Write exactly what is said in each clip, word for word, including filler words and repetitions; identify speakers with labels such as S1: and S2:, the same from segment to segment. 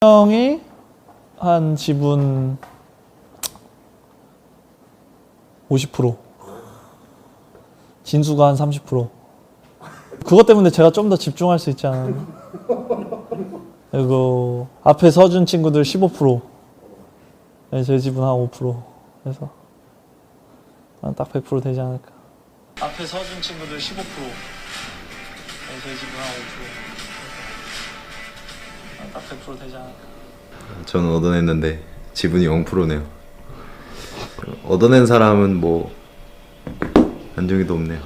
S1: 형이 한 지분 오십 퍼센트, 진수가 한 삼십 퍼센트. 그것 때문에 제가 좀 더 집중할 수 있지 않았나? 그리고 앞에 서준 친구들 십오 퍼센트, 네, 제 지분 한 오 퍼센트 해서 딱 백 퍼센트 되지 않을까. 앞에 서준 친구들 십오 퍼센트, 네, 제 지분 한 오 퍼센트, 딱 백 퍼센트 되지 않을까.
S2: 저는 얻어냈는데 지분이 영 퍼센트네요. 얻어낸 사람은 뭐 안정이도 없네요.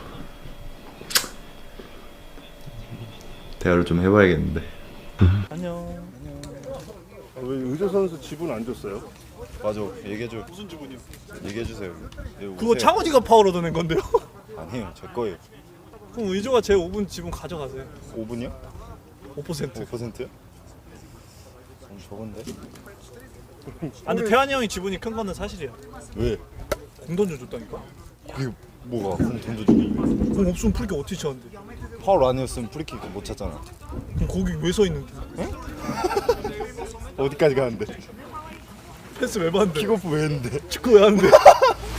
S2: 대화를 좀 해봐야겠는데.
S1: 안녕.
S3: 아, 왜 의조 선수 지분 안 줬어요?
S4: 맞아, 얘기해줘.
S3: 무슨 지분이요?
S4: 얘기해주세요. 예,
S1: 그거
S4: 오세요.
S1: 창원이가 파울 얻어낸 건데요?
S4: 아니에요, 제 거예요.
S1: 그럼 의조가 제 오 분 지분 가져가세요.
S4: 오 분이요?
S1: 오 퍼센트.
S4: 오 퍼센트요? 좀 적은데?
S1: 아 근데 태환이 형이 지분이 큰 거는 사실이야.
S4: 왜?
S1: 공 던져줬다니까?
S4: 그게 뭐가 공 던져주기?
S1: 공 없으면 프리킥 어떻게 쳤는데?
S4: 파울 아니었으면 프리킥 못 찼잖아.
S1: 그럼 거기 왜 서 있는데?
S4: 어디까지 가는데?
S1: 패스 왜 봤는데?
S4: 킥오프 왜 했는데?
S1: 축구 왜 하는데?